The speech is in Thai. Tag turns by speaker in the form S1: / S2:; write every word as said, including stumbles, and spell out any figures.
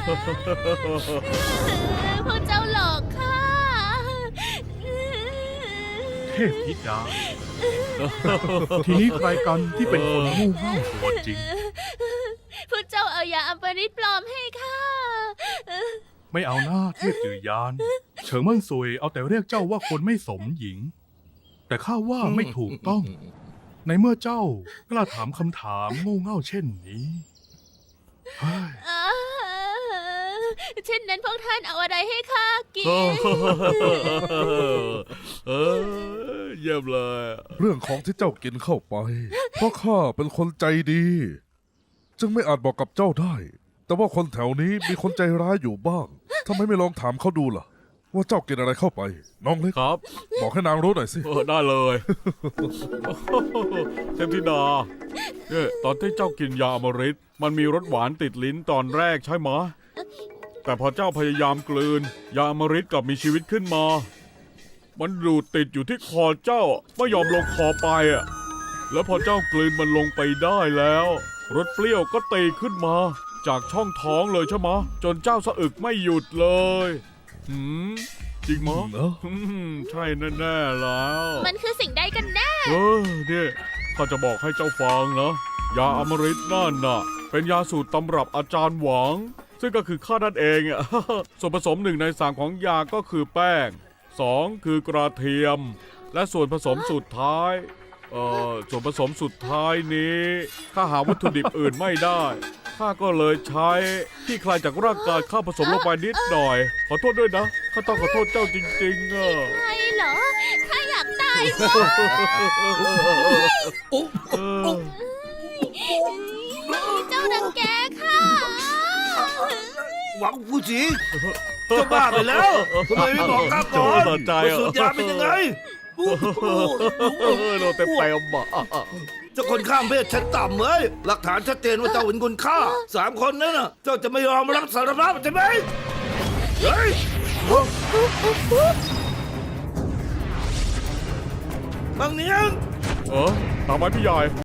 S1: พวกเจ้าหลอกข้า
S2: เทพธิดา ทีนี้ใครกันที่เป็นคนงูเง่าตัวจริง
S1: พวกเจ้าเอายาอัมปริตปลอมให้ข้า
S2: ไม่เอาหน้าเทพจือยาน เฉิงเมั่นซุยเอาแต่เรียกเจ้าว่าคนไม่สมหญิง แต่ข้าว่าไม่ถูกต้อง ในเมื่อเจ้ากล้าถามคำถามโง่เง่าเช่นนี้เฮ้ย
S1: เช่นนั้นพวกท่านเอาอะไรให้ข้ากิน
S3: เออเยี่ยมเลย
S4: เรื่องของที่เจ้ากินเข้าไป เพราะข้าเป็นคนใจดี จึงไม่อาจบอกกับเจ้าได้ แต่ว่าคนแถวนี้มีคนใจร้ายอยู่บ้างทำไมไม่ลองถามเขาดูล่ะ ว่าเจ้ากินอะไรเข้าไป น้องเล็ก
S3: ครับ
S4: บอกให้นางรู้หน่อยสิ
S3: เออได้เลย เทพธิดาเนี่ยตอนที่เจ้ากินยาอมฤตมันมีรสหวานติดลิ้นตอนแรกใช่ไหมแต่พอเจ้าพยายามกลืน ยาอมฤตกลับมีชีวิตขึ้นมา มันดูดติดอยู่ที่คอเจ้าไม่ยอมลงคอไปอ่ะแล้วพอเจ้ากลืนมันลงไปได้แล้วรสเปรี้ยวก็ตีขึ้นมา จากช่องท้องเลยใช่ไหมจนเจ้าสะอึกไม่หยุดเลยหืมจริงมั้ย
S4: เนอะ
S3: ใช่แน่ๆแล้ว
S1: มันคือสิ่งใดกันแน่
S3: เออเนี่ยข้าจะบอกให้เจ้าฟังนะยาอมฤตนั่นน่ะเป็นยาสูตรตำรับอาจารย์หวัง ซึ่งก็คือข้านั่นเองอ่ะ ส่วนผสมหนึ่งในสามของยาก็คือแป้งสองคือกระเทียม และส่วนผสมสุดท้ายเอ่อส่วนผสมสุดท้ายนี้ข้าหาวัตถุดิบอื่นไม่ได้ข้าก็เลยใช้ที่คลายจากร่างกายข้าผสมลงไปนิดหน่อย ขอโทษด้วยนะข้าต้องขอโทษเจ้าจริงๆอ่ะ
S1: ใช่เหรอ ข้าอยากตาย
S3: เออ
S1: เจ้าดังแกข้า
S5: หวังผู้จีเจ้าบ้าไปแล้วทำไมไม่บอกข้าก่อน
S3: สนใจ
S5: ว่า
S3: อ่ะ
S5: สูตรยาเป็นยังไง
S3: โดนเต็มเต็มอ่ะ
S5: เจ้าคนข้ามเพศชั้นต่ำเอ้ยหลักฐานชัดเจนว่าเจ้าเป็นคนฆ่าสามคนนั้นน่ะเจ้าจะไม่ยอมรับสารภาพใช่ไหมเฮ้ยบางเนียง
S3: เออตามไว้พี่ใหญ่